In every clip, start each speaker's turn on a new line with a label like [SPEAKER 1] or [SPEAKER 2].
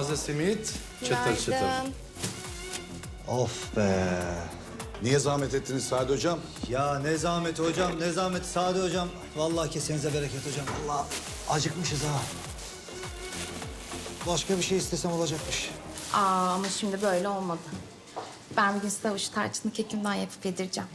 [SPEAKER 1] taze simit, çıtır çıtır.
[SPEAKER 2] Günaydın.
[SPEAKER 3] Of be.
[SPEAKER 4] Niye zahmet ettiniz Sadi Hocam?
[SPEAKER 3] Ya ne zahmeti hocam, ne zahmeti Sadi hocam. Vallahi kesenize bereket hocam. Allah acıkmışız ha. Başka bir şey istesem olacakmış.
[SPEAKER 2] Ama şimdi böyle olmadı. Ben bugün size avuç tarçınlı kekimden yapıp yedireceğim.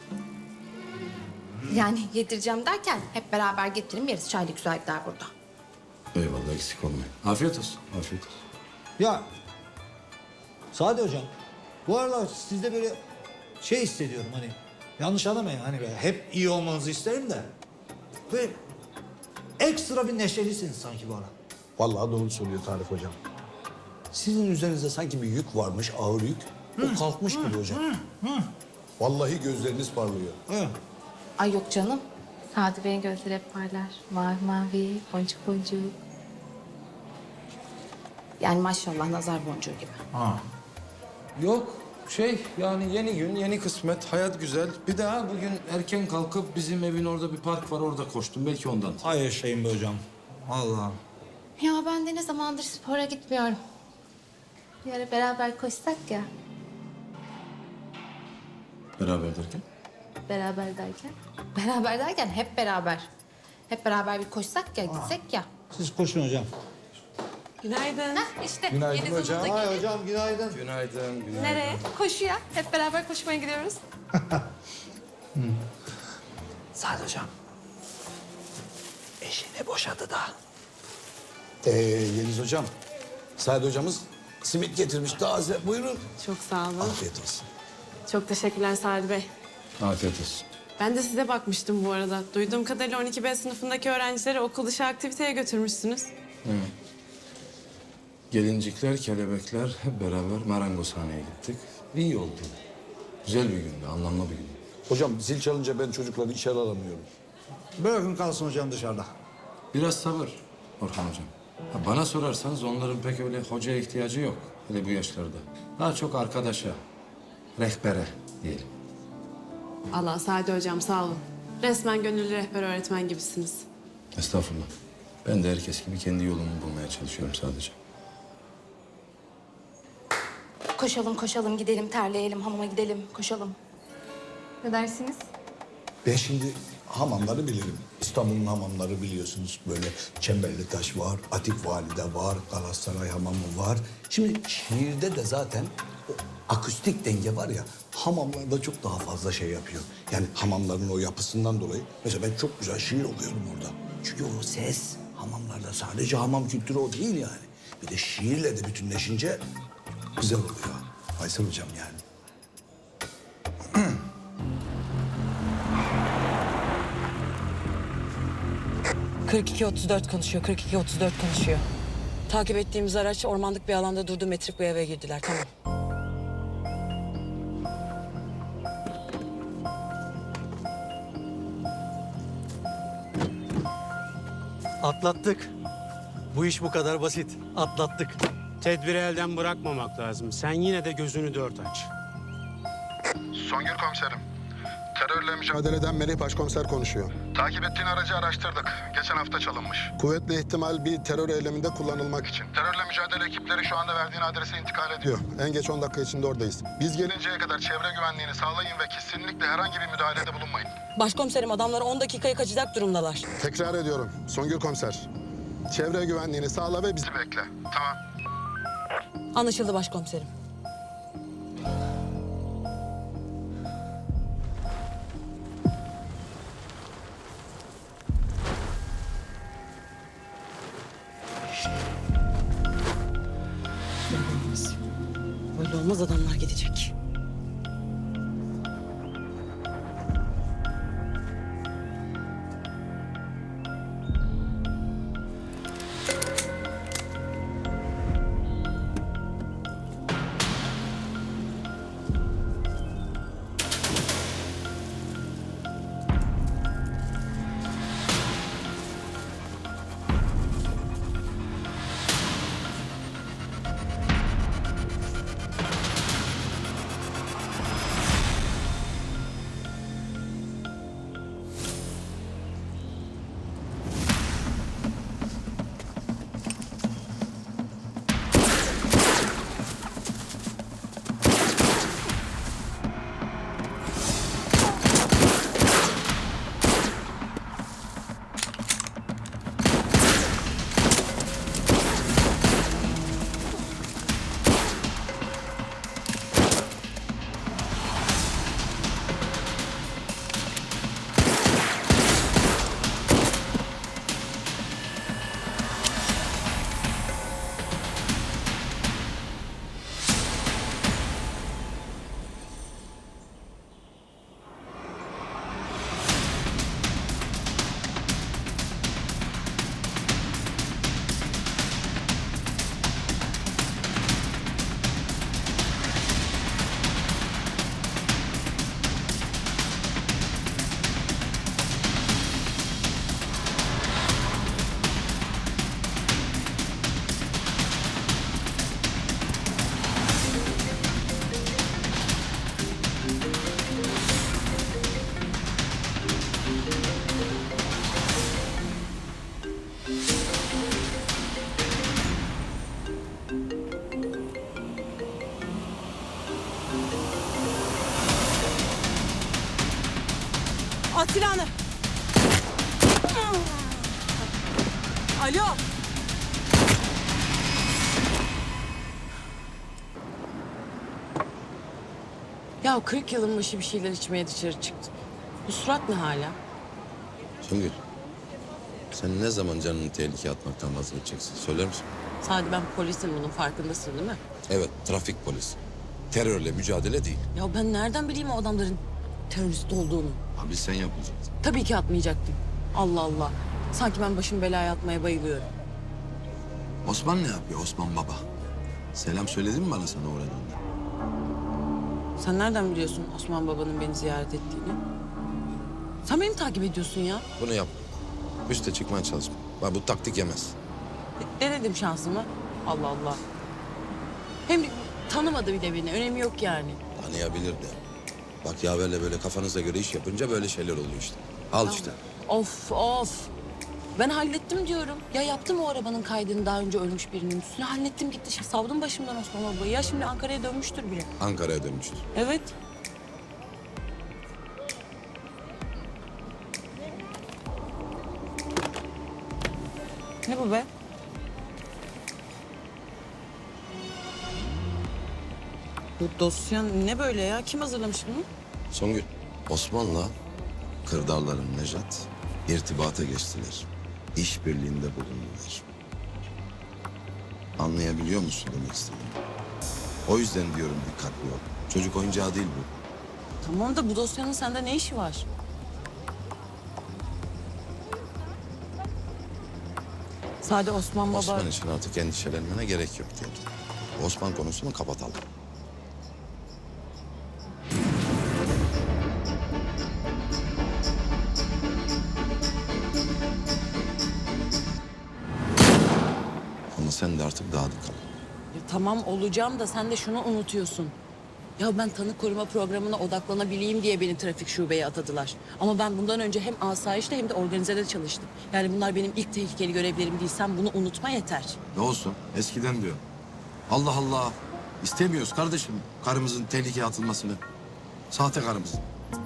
[SPEAKER 2] Yani yedireceğim derken hep beraber getirin yeriz. Çaylı güzel gider burada.
[SPEAKER 1] Eyvallah, eksik olmayın. Afiyet olsun, afiyet olsun.
[SPEAKER 3] Ya Sadi hocam, bu aralar sizde böyle şey hissediyorum hani. Yanlış anlamayın hani böyle hep iyi olmanızı isterim de. Böyle ekstra bir neşelisiniz sanki bu ara.
[SPEAKER 4] Vallahi doğru söylüyor Tarık Hocam. Sizin üzerinizde sanki bir yük varmış, ağır yük. O kalkmış gibi hocam. Vallahi gözleriniz parlıyor.
[SPEAKER 3] Hı.
[SPEAKER 2] Ay yok canım. Sadi Bey'in gözleri hep parlar. Mavi mavi, boncuk boncuk. Yani maşallah nazar boncuğu gibi.
[SPEAKER 1] Yok, yani yeni gün, yeni kısmet, hayat güzel. Bir daha bugün erken kalkıp bizim evin orada bir park var, orada koştum. Belki ondan.
[SPEAKER 3] Ay yaşayın be hocam. Allah'ım.
[SPEAKER 2] Ya ben de ne zamandır spora gitmiyorum. Bir ara beraber koşsak ya.
[SPEAKER 1] Beraber derken?
[SPEAKER 2] Beraber derken? Beraber derken hep beraber. Hep beraber bir koşsak ya, gitsek ya.
[SPEAKER 3] Siz koşun hocam.
[SPEAKER 5] Günaydın.
[SPEAKER 2] Hah işte.
[SPEAKER 1] Günaydın
[SPEAKER 2] Yeliz Hanım
[SPEAKER 1] hocam.
[SPEAKER 2] da
[SPEAKER 3] Ay
[SPEAKER 2] gelin.
[SPEAKER 3] hocam günaydın.
[SPEAKER 1] Günaydın, günaydın.
[SPEAKER 2] Nereye? Koşuya. Hep beraber koşmaya gidiyoruz.
[SPEAKER 3] Sadi hocam. Eşini boşadı da.
[SPEAKER 4] Yeliz Hocam, Sadi Hocamız simit getirmiş taze. Buyurun.
[SPEAKER 5] Çok sağ olun.
[SPEAKER 4] Afiyet olsun.
[SPEAKER 5] Çok teşekkürler Sadi Bey.
[SPEAKER 1] Afiyet olsun.
[SPEAKER 5] Ben de size bakmıştım bu arada. Duyduğum kadarıyla 12B sınıfındaki öğrencileri okul dışı aktiviteye götürmüşsünüz.
[SPEAKER 1] Gelincikler, kelebekler hep beraber marangozhaneye gittik. İyi oldu. Güzel bir gündü, anlamlı bir gündü.
[SPEAKER 4] Hocam zil çalınca ben çocukları içeri alamıyorum.
[SPEAKER 3] Bırakın kalsın hocam dışarıda.
[SPEAKER 1] Biraz sabır Orhan Hocam. Ha, bana sorarsanız onların pek öyle hocaya ihtiyacı yok. Hele bu yaşlarda. Daha çok arkadaşa, rehbere diyelim.
[SPEAKER 5] Allah Sadi hocam sağ olun. Resmen gönüllü rehber öğretmen gibisiniz.
[SPEAKER 1] Estağfurullah. Ben de herkes gibi kendi yolumu bulmaya çalışıyorum sadece.
[SPEAKER 2] Koşalım koşalım gidelim terleyelim hamama gidelim koşalım. Ne dersiniz?
[SPEAKER 4] Ben şimdi hamamları bilirim. İstanbul'un hamamları biliyorsunuz. Böyle Çemberli Taş var, Atik Valide var, Galatasaray Hamamı var. Şimdi şiirde de zaten o akustik denge var ya, hamamlarda çok daha fazla şey yapıyor. Yani hamamların o yapısından dolayı. Mesela ben çok güzel şiir okuyorum orada. Çünkü o ses hamamlarda sadece hamam kültürü o değil yani. Bir de şiirle de bütünleşince güzel oluyor. Faysal Hocam yani.
[SPEAKER 6] 42-34 konuşuyor, 42-34 konuşuyor. Takip ettiğimiz araç ormanlık bir alanda durdu, metrik bir eve girdiler, tamam.
[SPEAKER 7] Atlattık. Bu iş bu kadar basit. Atlattık.
[SPEAKER 8] Tedbiri elden bırakmamak lazım. Sen yine de gözünü dört aç.
[SPEAKER 9] Songül komiserim. Terörle mücadeleden Melih Başkomiser konuşuyor. Takip ettiğin aracı araştırdık. Geçen hafta çalınmış. Kuvvetli ihtimal bir terör eyleminde kullanılmak için. Terörle mücadele ekipleri şu anda verdiğin adrese intikal ediyor. En geç 10 dakika içinde oradayız. Biz gelinceye kadar çevre güvenliğini sağlayın ve kesinlikle herhangi bir müdahalede bulunmayın.
[SPEAKER 6] Başkomiserim, adamlar 10 dakikaya kaçacak durumdalar.
[SPEAKER 9] Tekrar ediyorum. Songül komiser. Çevre güvenliğini sağla ve bizi bekle. Tamam.
[SPEAKER 6] Anlaşıldı başkomiserim. Böyle olmaz, adamlar gidecek.
[SPEAKER 5] At silahını. Alo. Ya 40 yılın başı bir şeyler içmeye dışarı çıktım. Bu surat ne hala?
[SPEAKER 10] Songül, sen ne zaman canını tehlikeye atmaktan vazgeçeceksin? Söyler misin?
[SPEAKER 6] Sadi ben polisim, bunun farkındasın değil mi?
[SPEAKER 10] Evet, trafik polisi. Terörle mücadele değil.
[SPEAKER 6] Ya ben nereden bileyim o adamların terörist olduğunu?
[SPEAKER 10] Abi sen yapmayacaksın.
[SPEAKER 6] Tabii ki atmayacaktım. Allah Allah. Sanki ben başım belaya atmaya bayılıyorum.
[SPEAKER 10] Osman ne yapıyor Osman baba? Selam söyledin mi bana sana uğradığında?
[SPEAKER 6] Sen nereden biliyorsun Osman babanın beni ziyaret ettiğini? Sen beni mi takip ediyorsun ya?
[SPEAKER 10] Bunu yap. Üste çıkmaya çalışma. Bak bu taktik yemez.
[SPEAKER 6] Denedim şansımı. Allah Allah. Hem tanımadı bir de beni. Önemi yok yani.
[SPEAKER 10] Tanıyabilirdi. Bak yaverle böyle kafanıza göre iş yapınca böyle şeyler oluyor işte. Al işte.
[SPEAKER 6] Of of. Ben hallettim diyorum. Ya yaptım o arabanın kaydını daha önce ölmüş birinin üstüne. Hallettim gitti. Şimdi savdum başımdan Osman babayı. Ya şimdi Ankara'ya dönmüştür bile.
[SPEAKER 10] Ankara'ya dönmüştür.
[SPEAKER 6] Evet. Ne bu be? Bu dosya ne böyle ya? Kim hazırlamış bunu?
[SPEAKER 10] Songül, Osman'la Kırdarların Nejat irtibata geçtiler. İşbirliğinde bulundular. Anlayabiliyor musun demek istediğimi? O yüzden diyorum dikkatli ol. Çocuk oyuncağı değil bu.
[SPEAKER 6] Tamam da bu dosyanın sende ne işi var? Sade Osman baba...
[SPEAKER 10] Osman için artık endişelenmene gerek yok diyorum. Osman konusunu kapatalım. Ama sen de artık daha dikkat ol.
[SPEAKER 6] Ya tamam olacağım da sen de şunu unutuyorsun. Ya ben tanık koruma programına odaklanabileyim diye beni trafik şubeye atadılar. Ama ben bundan önce hem asayişte hem de organizede çalıştım. Yani bunlar benim ilk tehlikeli görevlerim değil. Sen bunu unutma yeter.
[SPEAKER 10] Ne olsun? Eskiden diyor. Allah Allah. İstemiyoruz kardeşim karımızın tehlikeye atılmasını. Sahte karımızın.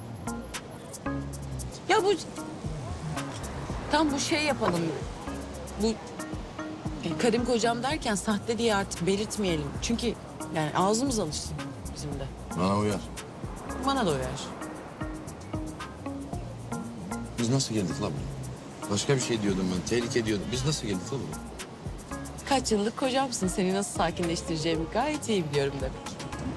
[SPEAKER 6] Ya bu... Tam bu şey yapalım. Bu... karım kocam derken sahte diye artık belirtmeyelim. Çünkü yani ağzımız alışsın bizim de.
[SPEAKER 10] Bana uyar.
[SPEAKER 6] Bana da uyar.
[SPEAKER 10] Biz nasıl geldik la buraya? Başka bir şey diyordum ben. Tehlike diyordum. Biz nasıl geldik la buraya?
[SPEAKER 6] Kaç yıllık kocamsın. Seni nasıl sakinleştireceğimi gayet iyi biliyorum demek.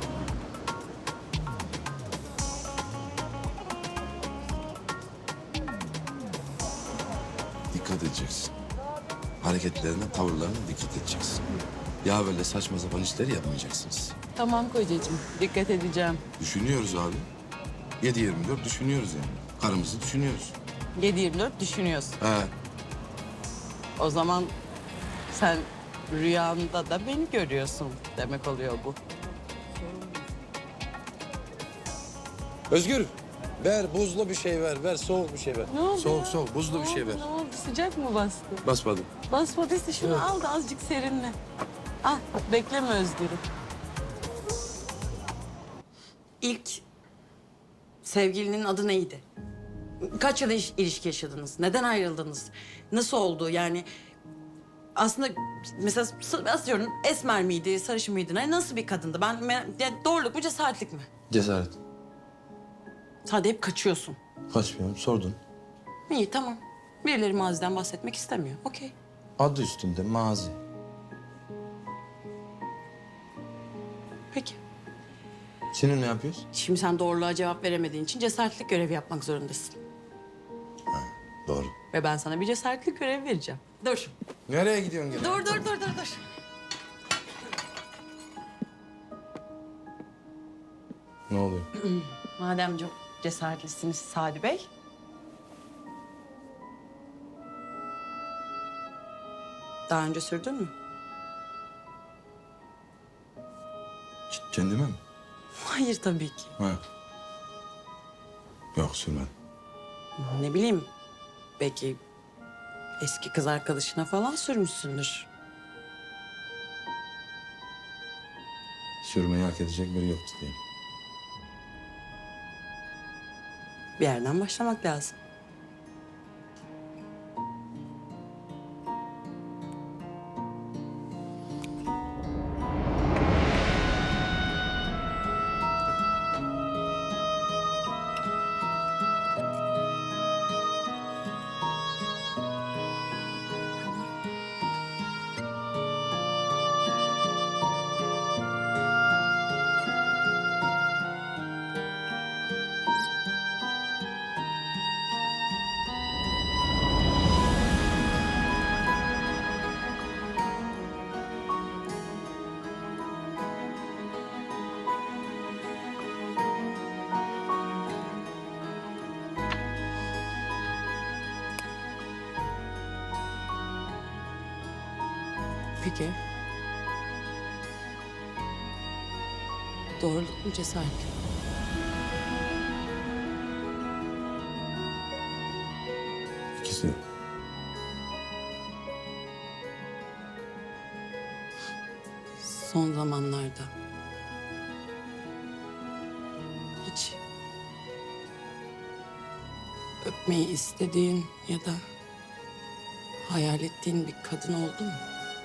[SPEAKER 10] Dikkat edeceksin. Hareketlerine, tavırlarına dikkat edeceksin. Ya böyle saçma sapan işleri yapmayacaksınız.
[SPEAKER 6] Tamam kocacığım. Dikkat edeceğim.
[SPEAKER 10] Düşünüyoruz abi. 7/24 düşünüyoruz yani. Karımızı düşünüyoruz.
[SPEAKER 6] 7/24 düşünüyorsun.
[SPEAKER 10] He.
[SPEAKER 6] O zaman sen rüyanda da beni görüyorsun demek oluyor bu.
[SPEAKER 10] Özgür. Ver buzlu bir şey ver. Ver soğuk bir şey ver.
[SPEAKER 6] Ne oldu
[SPEAKER 10] Soğuk
[SPEAKER 6] ya?
[SPEAKER 10] soğuk buzlu bir şey ver.
[SPEAKER 6] Ne oldu? Sıcak mı bastı?
[SPEAKER 10] Basmadım.
[SPEAKER 6] Basmadıysa şunu al da azıcık serinle. Al bekleme Özgür'ü. İlk sevgilinin adı neydi? Kaç yıl ilişki yaşadınız? Neden ayrıldınız? Nasıl oldu yani? Aslında mesela atıyorum esmer miydi, sarışın mıydı? Nasıl bir kadındı? Yani doğruluk mu, cesaretlik mi?
[SPEAKER 10] Cesaret.
[SPEAKER 6] Sadece hep kaçıyorsun.
[SPEAKER 10] Kaçmıyorum sordun.
[SPEAKER 6] İyi tamam. Birileri maziden bahsetmek istemiyor. Okey.
[SPEAKER 10] Adı üstünde mazi.
[SPEAKER 6] Peki.
[SPEAKER 10] Senin ne yapıyorsun?
[SPEAKER 6] Şimdi sen doğruluğa cevap veremediğin için cesaretlik görevi yapmak zorundasın.
[SPEAKER 10] Doğru.
[SPEAKER 6] Ve ben sana bir cesaretlik görevi vereceğim. Dur.
[SPEAKER 10] Nereye gidiyorsun gene?
[SPEAKER 6] Dur.
[SPEAKER 10] Ne oluyor?
[SPEAKER 6] Madem çok cesaretlisiniz Sadi Bey. Daha önce sürdün mü?
[SPEAKER 10] Kendime mi?
[SPEAKER 6] Hayır tabii ki.
[SPEAKER 10] Ha. Yok sürmedim.
[SPEAKER 6] Ne bileyim. Belki eski kız arkadaşına falan sürmüşsündür.
[SPEAKER 10] Sürmeyi hak edecek biri yoktu diye.
[SPEAKER 6] Bir yerden başlamak lazım. Peki. Doğruluk mu cesaret mi?
[SPEAKER 10] İkisi.
[SPEAKER 6] Son zamanlarda hiç öpmeyi istediğin ya da hayal ettiğin bir kadın oldu mu?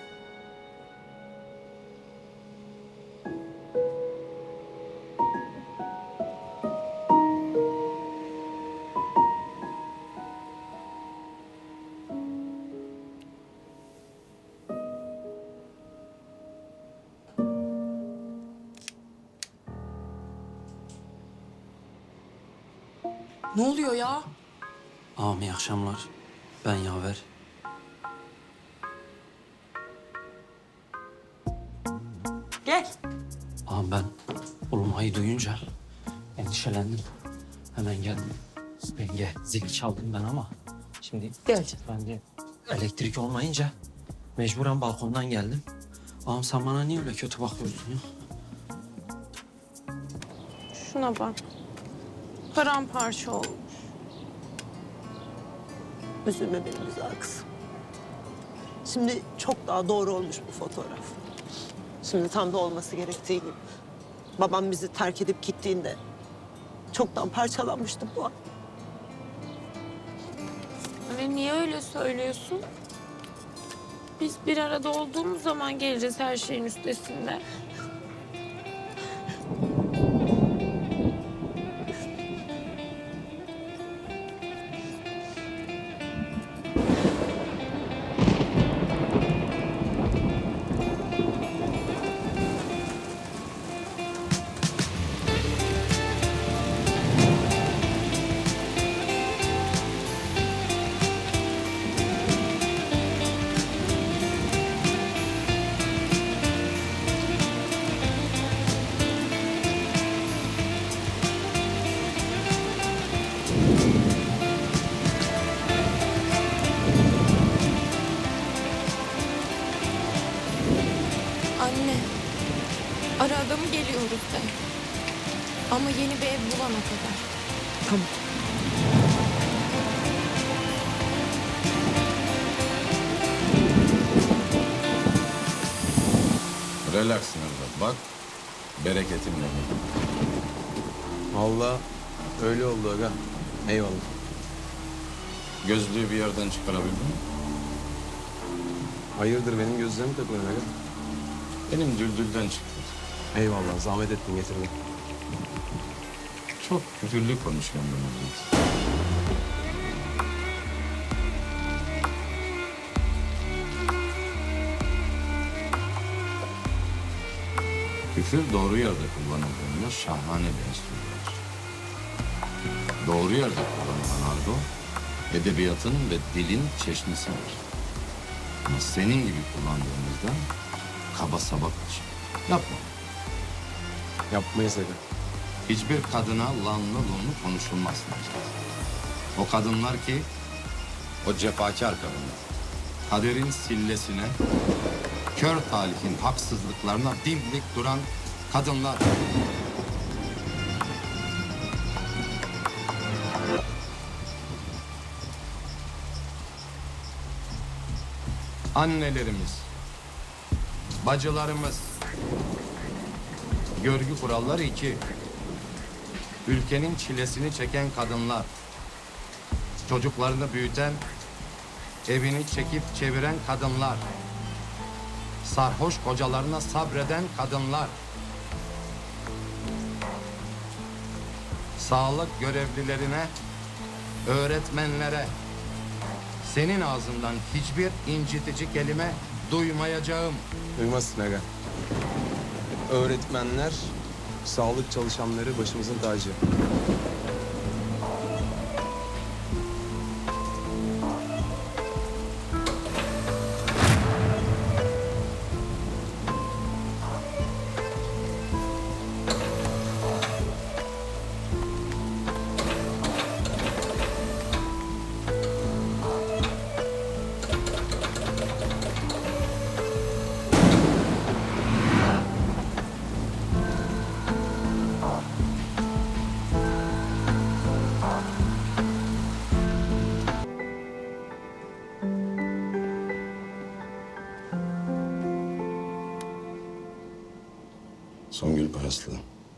[SPEAKER 6] Ne oluyor ya?
[SPEAKER 11] Ağam iyi akşamlar. Ben Yaver.
[SPEAKER 6] Gel.
[SPEAKER 11] Ağam ben Uluma'yı duyunca endişelendim. Hemen geldim. Yenge zil çaldım ben ama şimdi
[SPEAKER 6] Gel canım.
[SPEAKER 11] ben de elektrik olmayınca mecburen balkondan geldim. Ağam sen bana niye öyle kötü bakıyorsun ya?
[SPEAKER 5] Şuna bak. Paramparça olmuş.
[SPEAKER 12] Üzülme benim güzel kızım. Şimdi çok daha doğru olmuş bu fotoğraf. Şimdi tam da olması gerektiği gibi. Babam bizi terk edip gittiğinde çoktan parçalanmıştı bu an.
[SPEAKER 5] Anne niye öyle söylüyorsun? Biz bir arada olduğumuz zaman geleceğiz her şeyin üstesinden. Anne, ara adamı geliyoruz de. Ama yeni bir ev bulana kadar.
[SPEAKER 12] Tamam.
[SPEAKER 10] Relaxsın evlat. Bak bereketim benim.
[SPEAKER 8] Vallahi öyle oldu aga. Eyvallah.
[SPEAKER 10] Gözlüğü bir yerden çıkarabildin mi?
[SPEAKER 8] Hayırdır benim gözlerimi takılıyorsun aga?
[SPEAKER 10] Benim düldülden çıktı.
[SPEAKER 8] Eyvallah zahmet ettin getirdin.
[SPEAKER 10] Çok küfürlü konuşuyorum ben evlat. Küfür doğru yerde kullanıldığında şahane bir enstrümandır. Doğru yerde kullanılan argo, edebiyatın ve dilin çeşnisidir. Ama senin gibi kullandığımızda kaba saba kaçar. Yapma.
[SPEAKER 8] Yapmayız aga.
[SPEAKER 10] Hiçbir kadına lanlı lunlu konuşulmaz. O kadınlar ki, o cefakar kadınlar. Kaderin sillesine, kör talihin haksızlıklarına dimdik duran kadınlar. Annelerimiz, bacılarımız, görgü kuralları 2.
[SPEAKER 1] ülkenin çilesini çeken kadınlar, çocuklarını büyüten, evini çekip çeviren kadınlar, sarhoş kocalarına sabreden kadınlar, sağlık görevlilerine, öğretmenlere, senin ağzından hiçbir incitici kelime duymayacağım.
[SPEAKER 13] Duymazsın aga. Öğretmenler, sağlık çalışanları başımızın tacı.
[SPEAKER 10] Songül Paraslı.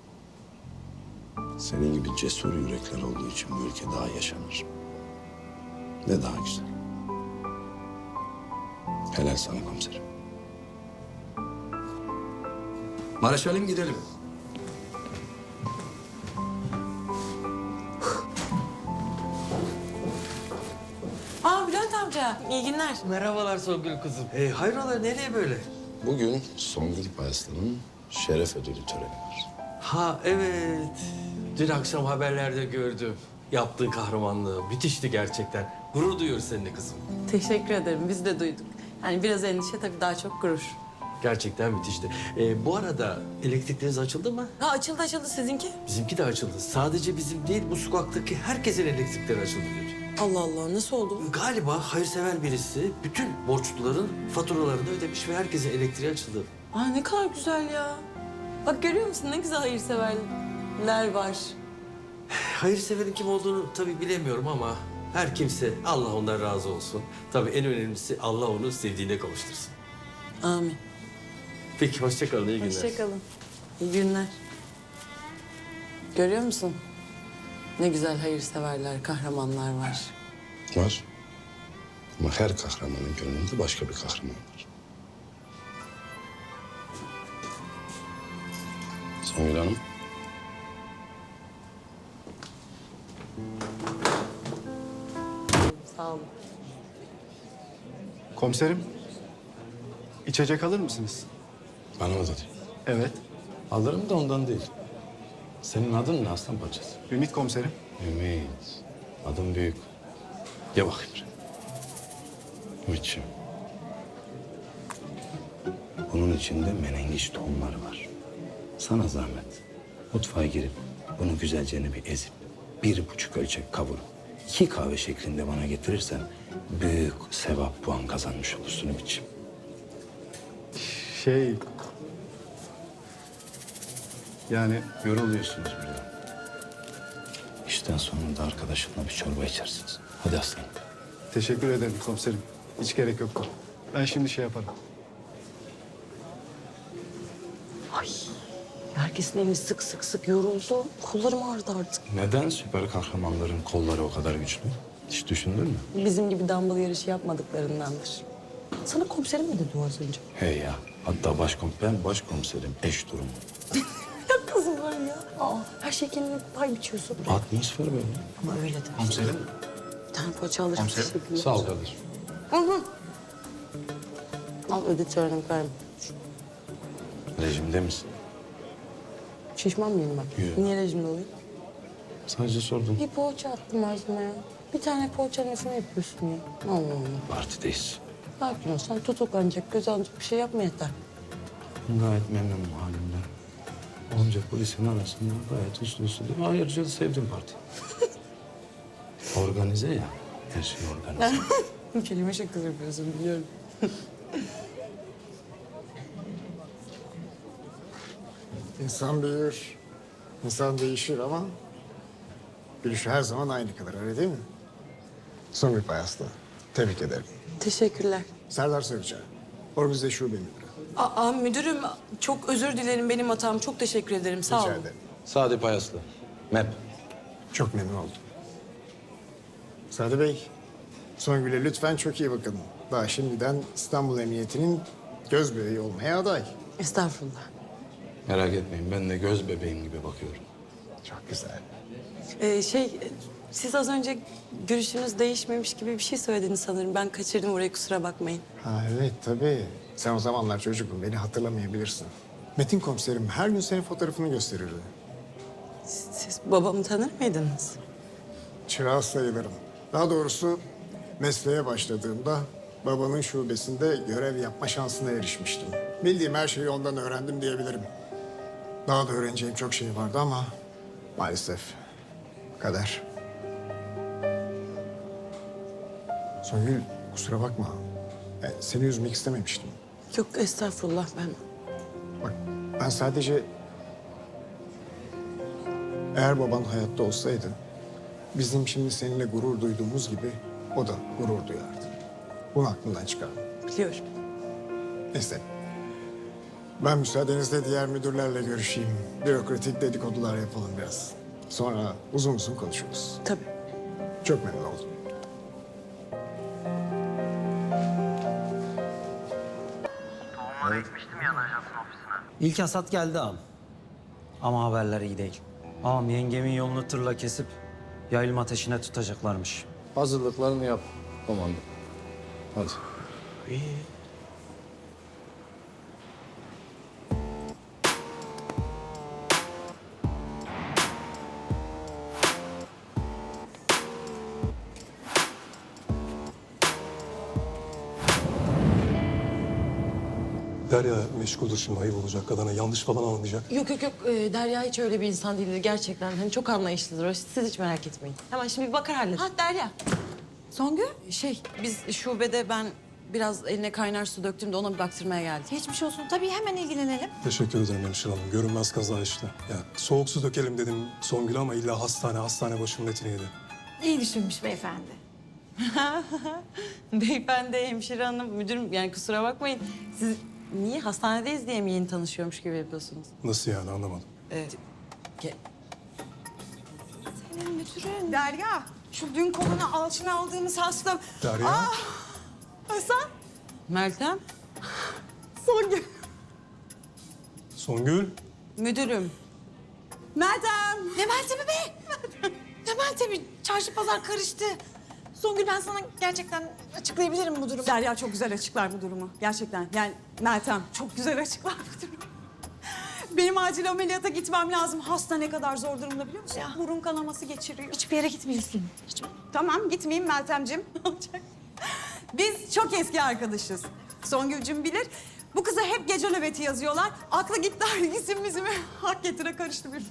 [SPEAKER 10] Senin gibi cesur yürekler olduğu için bu ülke daha yaşanır. Ve daha güzel. Helal sana komiserim. Mareşalim gidelim.
[SPEAKER 6] Aa Bülent amca, iyi günler.
[SPEAKER 7] Merhabalar Songül kızım. Hayrola nereye böyle?
[SPEAKER 10] Bugün Songül Paraslı'nın şeref ödülü töreni var.
[SPEAKER 7] Ha evet. Dün akşam haberlerde gördüm. Yaptığı kahramanlığı müthişti gerçekten. Gurur duyuyoruz seninle kızım.
[SPEAKER 6] Teşekkür ederim, biz de duyduk. Yani biraz endişe tabii daha çok gurur.
[SPEAKER 7] Gerçekten müthişti. Bu arada elektrikleriniz açıldı mı?
[SPEAKER 6] Ha açıldı sizinki.
[SPEAKER 7] Bizimki de açıldı. Sadece bizim değil, bu sokaktaki herkesin elektrikleri açıldı diyor.
[SPEAKER 6] Allah Allah, nasıl oldu bu?
[SPEAKER 7] Galiba hayırsever birisi bütün borçluların faturalarını ödemiş ve herkesin elektriği açıldı.
[SPEAKER 6] Aa ne kadar güzel ya. Bak görüyor musun ne güzel hayırseverler var.
[SPEAKER 7] Hayırseverin kim olduğunu tabii bilemiyorum ama her kimse Allah ondan razı olsun. Tabii en önemlisi Allah onu sevdiğine kavuştursun.
[SPEAKER 6] Amin.
[SPEAKER 7] Peki hoşça kalın, iyi günler.
[SPEAKER 6] Hoşçakalın. İyi günler. Görüyor musun? Ne güzel hayırseverler, kahramanlar var.
[SPEAKER 10] Var. Ama her kahramanın gönlünde başka bir kahraman var. Songül Hanım.
[SPEAKER 6] Sağ olun.
[SPEAKER 13] Komiserim, içecek alır mısınız?
[SPEAKER 10] Bana mı dedi?
[SPEAKER 13] Evet.
[SPEAKER 1] Alırım da ondan değil. Senin adın ne aslan parçası?
[SPEAKER 13] Ümit komiserim.
[SPEAKER 1] Ümit. Adın büyük. Gel bakayım. Ümitciğim. Bunun içinde menengiç tohumları var. Sana zahmet. Mutfağa girip bunu güzelce bir ezip 1,5 ölçek kavurup 2 kahve şeklinde bana getirirsen büyük sevap puan kazanmış olursun Ümitciğim.
[SPEAKER 13] Yani
[SPEAKER 1] Yoruluyorsunuz burada. İşten sonra da arkadaşınla bir çorba içersiniz. Hadi aslanım.
[SPEAKER 13] teşekkür ederim komiserim. Hiç gerek yoktu. Ben şimdi şey yaparım.
[SPEAKER 6] Ay herkesin elini sık yoruldu. Kollarım ağrıdı artık.
[SPEAKER 1] Neden süper kahramanların kolları o kadar güçlü? Hiç düşündün mü?
[SPEAKER 6] Bizim gibi dumbbell yarışı yapmadıklarındandır. Sana komiserim mi dedi o az önce?
[SPEAKER 1] Hey ya. Hatta ben başkomiserim. Eş durumu.
[SPEAKER 6] Ya kızım var ya. Aa, her şey kendine pay biçiyorsun.
[SPEAKER 1] Atmosfer böyle.
[SPEAKER 6] Ama öyle de. Komiserim. Bir tane poğaça alırım. Teşekkürler.
[SPEAKER 1] Sağ ol kardeşim.
[SPEAKER 6] Al ödetörünü koyayım.
[SPEAKER 1] Rejimde misin?
[SPEAKER 6] Şişman mıyım ben?
[SPEAKER 1] Yok.
[SPEAKER 6] Niye rejimde olayım?
[SPEAKER 1] Sadece sordum.
[SPEAKER 6] Bir poğaça attım ağzıma ya. Bir tane poğaçanın nesine yapıyorsun ya? Allah Allah.
[SPEAKER 1] Partideyiz.
[SPEAKER 6] Sakin ol. Sen tutuklanacak, göz alacak bir şey yapma yeter.
[SPEAKER 1] Gayet memnunum halimden. Onca polisin arasında gayet uslu değil mi? Ayrıca da sevdim parti. Organize ya. Her şey organize.
[SPEAKER 6] Kelime şakası yapıyorsun biliyorum.
[SPEAKER 14] İnsan büyür, insan değişir ama gülüşü her zaman aynı kalır, öyle değil mi? Songül Paraslı, tebrik ederim.
[SPEAKER 6] Teşekkürler.
[SPEAKER 14] Serdar Sövücü, organize şube müdürü.
[SPEAKER 6] Aa müdürüm çok özür dilerim benim hatam. Çok teşekkür ederim. Sağ olun.
[SPEAKER 14] Rica ederim.
[SPEAKER 10] Sadi Payaslı. MEP.
[SPEAKER 14] Çok memnun oldum. Sadi Bey, Songül'e lütfen çok iyi bakın. Daha şimdiden İstanbul Emniyeti'nin göz bebeği olmaya aday.
[SPEAKER 6] Estağfurullah.
[SPEAKER 1] Merak etmeyin, ben de göz bebeğim gibi bakıyorum.
[SPEAKER 14] Çok güzel.
[SPEAKER 6] Siz az önce görüşünüz değişmemiş gibi bir şey söylediniz sanırım. Ben kaçırdım orayı, kusura bakmayın.
[SPEAKER 14] Ha evet tabii. Sen o zamanlar çocuktun, beni hatırlamayabilirsin. Metin komiserim her gün senin fotoğrafını gösterirdi.
[SPEAKER 6] Siz babamı tanır mıydınız?
[SPEAKER 14] Çırağı sayılırım. Daha doğrusu mesleğe başladığımda babanın şubesinde görev yapma şansına erişmiştim. Bildiğim her şeyi ondan öğrendim diyebilirim. Daha da öğreneceğim çok şey vardı ama maalesef kader. Songül kusura bakma. Seni üzmek istememiştim.
[SPEAKER 6] Yok estağfurullah, ben...
[SPEAKER 14] Bak ben sadece... Eğer baban hayatta olsaydı... bizim şimdi seninle gurur duyduğumuz gibi o da gurur duyardı. Bunu aklından çıkarma.
[SPEAKER 6] Biliyorum.
[SPEAKER 14] Neyse. Ben müsaadenizle diğer müdürlerle görüşeyim. Bürokratik dedikodular yapalım biraz. Sonra uzun uzun konuşuruz.
[SPEAKER 6] Tabii.
[SPEAKER 14] Çok memnun oldum.
[SPEAKER 11] İlk hasat geldi ağam. Ama haberler iyi değil. Ağam yengemin yolunu tırla kesip yaylım ateşine tutacaklarmış.
[SPEAKER 10] Hazırlıklarını yap komando. Hadi.
[SPEAKER 13] Derya meşguldür şimdi, ayıp olacak kadına. Yanlış falan anlayacak.
[SPEAKER 6] Yok. Derya hiç öyle bir insan değildir gerçekten. Hani çok anlayışlıdır o. Siz hiç merak etmeyin. Hemen şimdi bir bakar halleder. Ha Derya. Songül? Biz şubede ben biraz eline kaynar su döktüm de ona bir baktırmaya geldik.
[SPEAKER 2] Geçmiş olsun. Tabii hemen ilgilenelim.
[SPEAKER 13] Teşekkür ederim hemşire hanım. Görünmez kaza işte. Ya soğuk su dökelim dedim Songül'e ama illa hastane başımın etini yedi.
[SPEAKER 2] İyi düşünmüş beyefendi.
[SPEAKER 6] Beyefendi, hemşire hanım, müdürüm yani kusura bakmayın. Siz niye hastanedeyiz diye mi yeni tanışıyormuş gibi yapıyorsunuz?
[SPEAKER 13] Nasıl yani, anlamadım.
[SPEAKER 12] Derya, şu dün koluna alçına aldığımız hasta...
[SPEAKER 13] Derya.
[SPEAKER 12] Hasan.
[SPEAKER 6] Meltem,
[SPEAKER 12] Songül.
[SPEAKER 13] Songül.
[SPEAKER 6] müdürüm.
[SPEAKER 12] Meltem.
[SPEAKER 2] Ne Meltem'i be? Ne Meltem'i? Çarşı pazar karıştı. Songül, ben sana gerçekten açıklayabilirim bu durumu.
[SPEAKER 12] Derya çok güzel açıklar bu durumu. Gerçekten. Yani Meltem çok güzel açıklar bu durumu. Benim acil ameliyata gitmem lazım. Hasta ne kadar zor durumda biliyor musun?
[SPEAKER 2] Ya.
[SPEAKER 12] Burun kanaması geçiriyor.
[SPEAKER 2] Hiçbir yere gitmiyorsun.
[SPEAKER 12] Tamam gitmeyeyim Meltemciğim. Ne olacak? Biz çok eski arkadaşız. Songülcüm bilir. Bu kıza hep gece nöbeti yazıyorlar. Aklı gitti isim bizimi hak getire karıştı bir.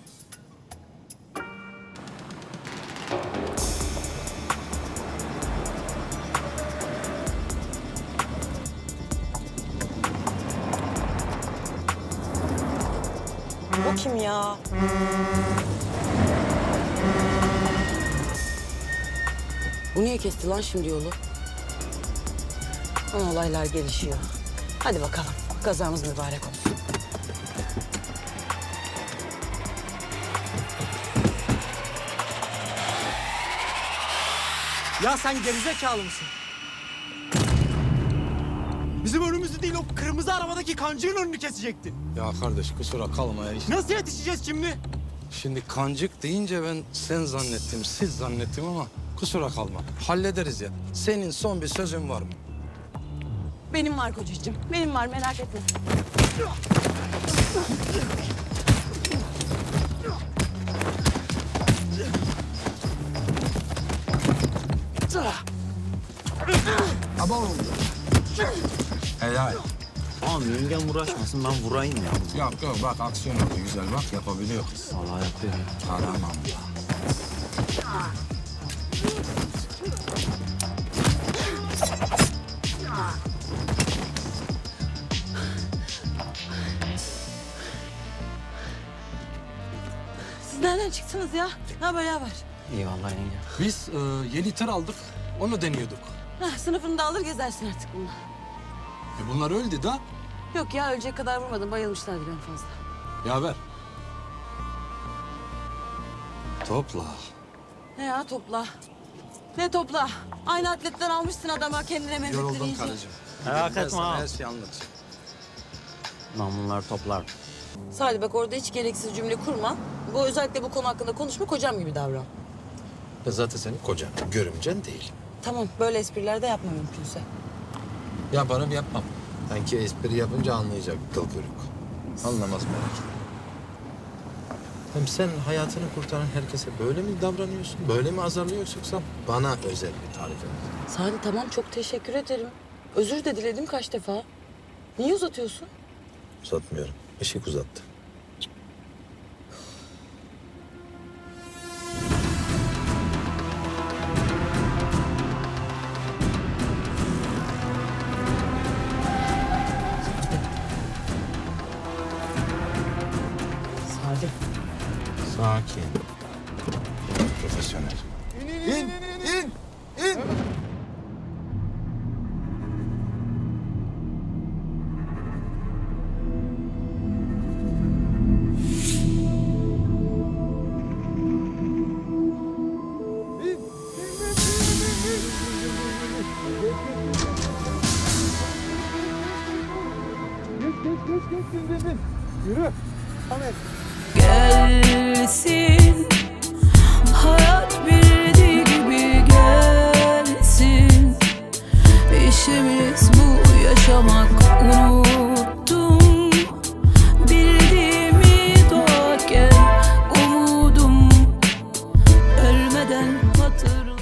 [SPEAKER 12] O kim ya?
[SPEAKER 6] Bu niye kesti lan şimdi yolu? Ama olaylar gelişiyor. Hadi bakalım, kazamız mübarek olsun.
[SPEAKER 8] Ya sen gerizekalı mısın? Bizim önümüzü değil, o kırmızı arabadaki kancığın önünü kesecektin.
[SPEAKER 10] Ya kardeş kusura kalma ya.
[SPEAKER 8] Nasıl yetişeceğiz şimdi?
[SPEAKER 10] Şimdi kancık deyince ben sen zannettim, siz zannettim ama kusura kalma. Hallederiz ya. Senin son bir sözün var mı?
[SPEAKER 6] Benim var kocacığım, benim var merak etme.
[SPEAKER 10] Helal.
[SPEAKER 11] Ağam yengem uğraşmasın, ben vurayım ya.
[SPEAKER 10] Yok bak aksiyon oldu güzel bak yapabiliyor kız.
[SPEAKER 11] Vallahi yapıyorum.
[SPEAKER 10] Aramam ya.
[SPEAKER 6] Siz nereden çıktınız ya? Ne haber, ne haber?
[SPEAKER 11] İyi vallahi yenge.
[SPEAKER 10] Biz yeni tır aldık onu deniyorduk.
[SPEAKER 6] Sınıfını da alır gezersin artık bununla.
[SPEAKER 10] Bunlar öldü da.
[SPEAKER 6] Yok ya, ölecek kadar vurmadım, bayılmışlardır en fazla.
[SPEAKER 10] Yaver. Topla.
[SPEAKER 6] Ne ya topla? Ne topla? Aynı atletten almışsın adama kendine Mehmetleri
[SPEAKER 10] Yoruldum
[SPEAKER 6] yiyecek.
[SPEAKER 10] karıcığım.
[SPEAKER 11] Merak
[SPEAKER 10] Ben
[SPEAKER 11] etme
[SPEAKER 10] sana
[SPEAKER 11] ağam.
[SPEAKER 10] her şeyi anlatacağım.
[SPEAKER 11] Namlular toplar.
[SPEAKER 6] Salih bak orada hiç gereksiz cümle kurma. Bu özellikle bu konu hakkında konuşma, kocam gibi davran.
[SPEAKER 10] Ben zaten senin kocan, görümcen değil.
[SPEAKER 6] Tamam, böyle espriler de yapma mümkünse.
[SPEAKER 10] Yaparım yapmam. Sanki espri yapınca anlayacak kıl kuyruk. Anlamaz merak etme. Hem sen hayatını kurtaran herkese böyle mi davranıyorsun? Böyle mi azarlıyorsun yoksa bana özel bir tarif et?
[SPEAKER 6] Salih tamam, çok teşekkür ederim. Özür de diledim kaç defa. Niye uzatıyorsun?
[SPEAKER 10] Uzatmıyorum. Işık uzattı.
[SPEAKER 6] Salih.
[SPEAKER 10] Sakin. Profesyonel. İn, in.
[SPEAKER 15] Gelsin, hayat bildiği gibi gelsin. İşimiz bu, yaşamak unuttum. Bildiğimi doğarken umudum ölmeden hatırladım.